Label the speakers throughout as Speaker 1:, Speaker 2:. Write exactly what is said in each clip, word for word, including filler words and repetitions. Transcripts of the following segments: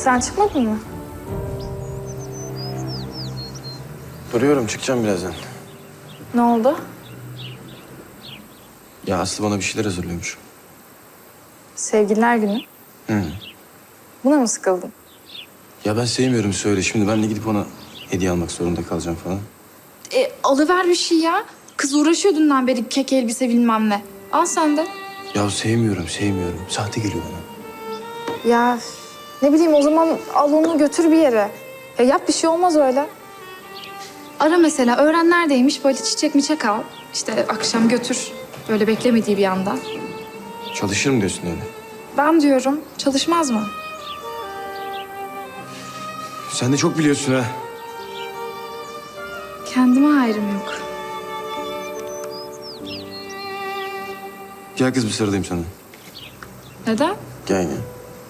Speaker 1: Ofisten çıkmadın mı?
Speaker 2: Duruyorum, çıkacağım birazdan.
Speaker 1: Ne oldu?
Speaker 2: Ya Aslı bana bir şeyler hazırlıyormuş.
Speaker 1: Sevgililer günü.
Speaker 2: Hı.
Speaker 1: Buna mı sıkıldın?
Speaker 2: Ya ben sevmiyorum söyle. Şimdi ben de gidip ona hediye almak zorunda kalacağım falan.
Speaker 3: E, alıver bir şey ya. Kız uğraşıyor dünden beri kek elbise bilmem ne. Al sen de.
Speaker 2: Ya sevmiyorum, sevmiyorum. Sahte geliyor bana.
Speaker 1: Ya ne bileyim o zaman al onu götür bir yere. Ya yap bir şey olmaz öyle.
Speaker 3: Ara mesela öğren neredeymiş böyle çiçek miçek al. İşte akşam götür. Böyle beklemediği bir anda.
Speaker 2: Çalışırım diyorsun öyle.
Speaker 3: Ben diyorum çalışmaz mı?
Speaker 2: Sen de çok biliyorsun ha.
Speaker 3: Kendime hayrım yok.
Speaker 2: Gel kız bir sarılayım sana.
Speaker 3: Neden?
Speaker 2: Gel gel.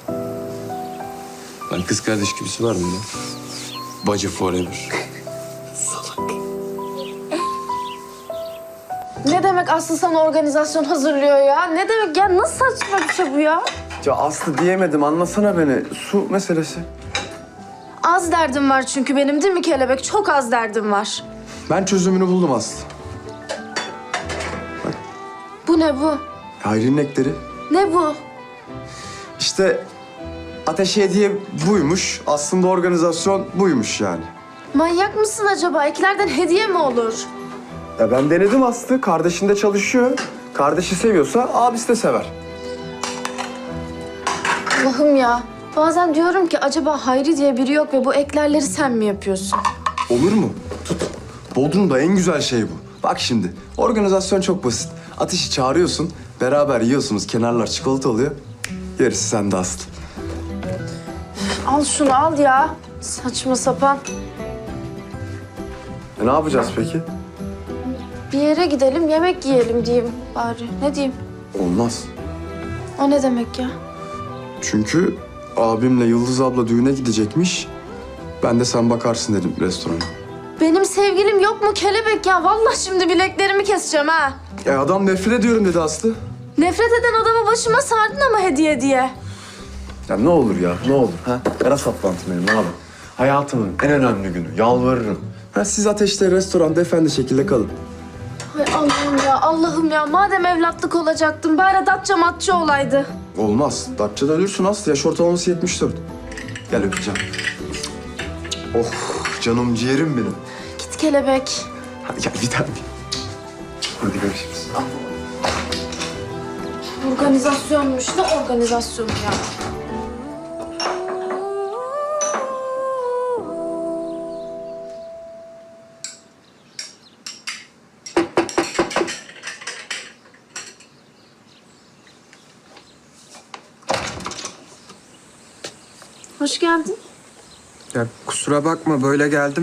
Speaker 2: Lan kız kardeş gibisi var mı ya? Bacı forever.
Speaker 4: Ne demek Aslı sana organizasyon hazırlıyor ya? Ne demek ya? Nasıl saçma bir şey bu ya?
Speaker 5: Ya Aslı diyemedim, anlasana beni. Su meselesi.
Speaker 4: Az derdim var çünkü benim değil mi kelebek? Çok az derdim var.
Speaker 5: Ben çözümünü buldum Aslı.
Speaker 4: Bu ne bu?
Speaker 5: Hayri'nin ekleri.
Speaker 4: Ne bu?
Speaker 5: İşte ateşe hediye buymuş. Aslında organizasyon buymuş yani.
Speaker 4: Manyak mısın acaba? Eklerden hediye mi olur?
Speaker 5: Ya ben denedim Aslı. Kardeşin de çalışıyor. Kardeşi seviyorsa abisi de sever.
Speaker 4: Allah'ım ya. Bazen diyorum ki acaba Hayri diye biri yok ve bu eklerleri sen mi yapıyorsun?
Speaker 5: Olur mu? Tut. Bodrum'da en güzel şey bu. Bak şimdi, organizasyon çok basit. Ateşi çağırıyorsun, beraber yiyorsunuz. Kenarlar çikolata oluyor. Gerisi sende Aslı.
Speaker 4: Al şunu al ya. Saçma sapan.
Speaker 5: E ne yapacağız peki?
Speaker 4: Bir yere gidelim yemek yiyelim diyeyim bari. Ne diyeyim?
Speaker 5: Olmaz.
Speaker 4: O ne demek ya?
Speaker 5: Çünkü abimle Yıldız abla düğüne gidecekmiş. Ben de sen bakarsın dedim restorana.
Speaker 4: Benim sevgilim yok mu kelebek ya? Vallahi şimdi bileklerimi keseceğim ha.
Speaker 5: E adam nefret ediyorum dedi Aslı.
Speaker 4: Nefret eden adamı başıma sardın ama hediye diye.
Speaker 5: Ya ne olur ya, ne olur ha? Ara saplantı benim abi. Hayatımın en önemli günü, yalvarırım. Ha, siz ateşte restoranda efendi şekilde kalın.
Speaker 4: Hay Allah'ım ya, Allah'ım ya. Madem evlatlık olacaktım, bari datça matça olaydı.
Speaker 5: Olmaz. Datça'da ölürsün Aslı. Yaş ortalaması yetmiş dört. Gel öpeceğim. Oh, canım ciğerim benim.
Speaker 4: Git kelebek.
Speaker 5: Hadi gel bir tane. Hadi görüşürüz.
Speaker 4: Organizasyonmuş. Ne organizasyonu ya? Hoş geldin.
Speaker 6: Ya kusura bakma böyle geldim.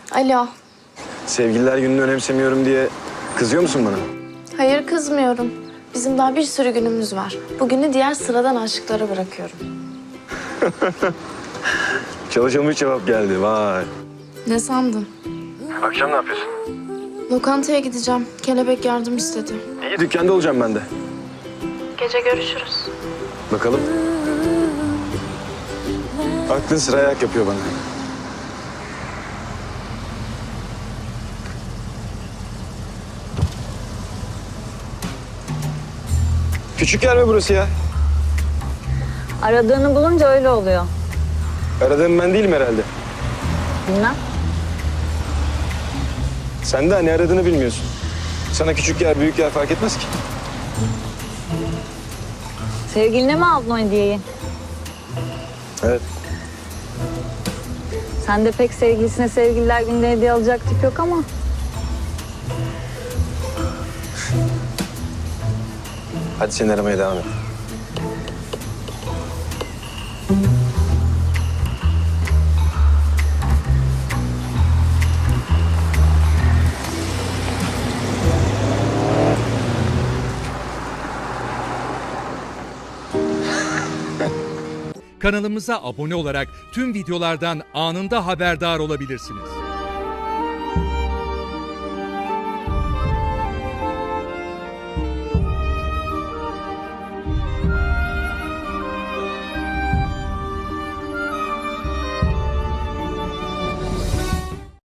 Speaker 4: Alo.
Speaker 7: Sevgililer gününü önemsemiyorum diye kızıyor musun bana?
Speaker 4: Hayır kızmıyorum. Bizim daha bir sürü günümüz var. Bugünü diğer sıradan aşıklara bırakıyorum.
Speaker 7: Çalışılmış cevap geldi, vay.
Speaker 4: Ne sandın?
Speaker 7: Akşam ne yapıyorsun?
Speaker 4: Lokantaya gideceğim. Kelebek yardım istedi.
Speaker 7: İyi, dükkanda olacağım ben de.
Speaker 4: Gece görüşürüz.
Speaker 7: Bakalım. Aklın sıra ayak yapıyor bana. Küçük yer mi burası ya?
Speaker 8: Aradığını bulunca öyle oluyor.
Speaker 7: Aradığım ben değilim herhalde.
Speaker 8: Bilmem.
Speaker 7: Sen de hani aradığını bilmiyorsun. Sana küçük yer, büyük yer fark etmez ki.
Speaker 8: Sevgiline mi aldın o hediyeyi?
Speaker 7: Evet.
Speaker 8: Sen de pek sevgilisine sevgililer günde hediye alacak tip yok ama.
Speaker 7: Hadi seni aramaya devam et.
Speaker 9: Kanalımıza abone olarak tüm videolardan anında haberdar olabilirsiniz.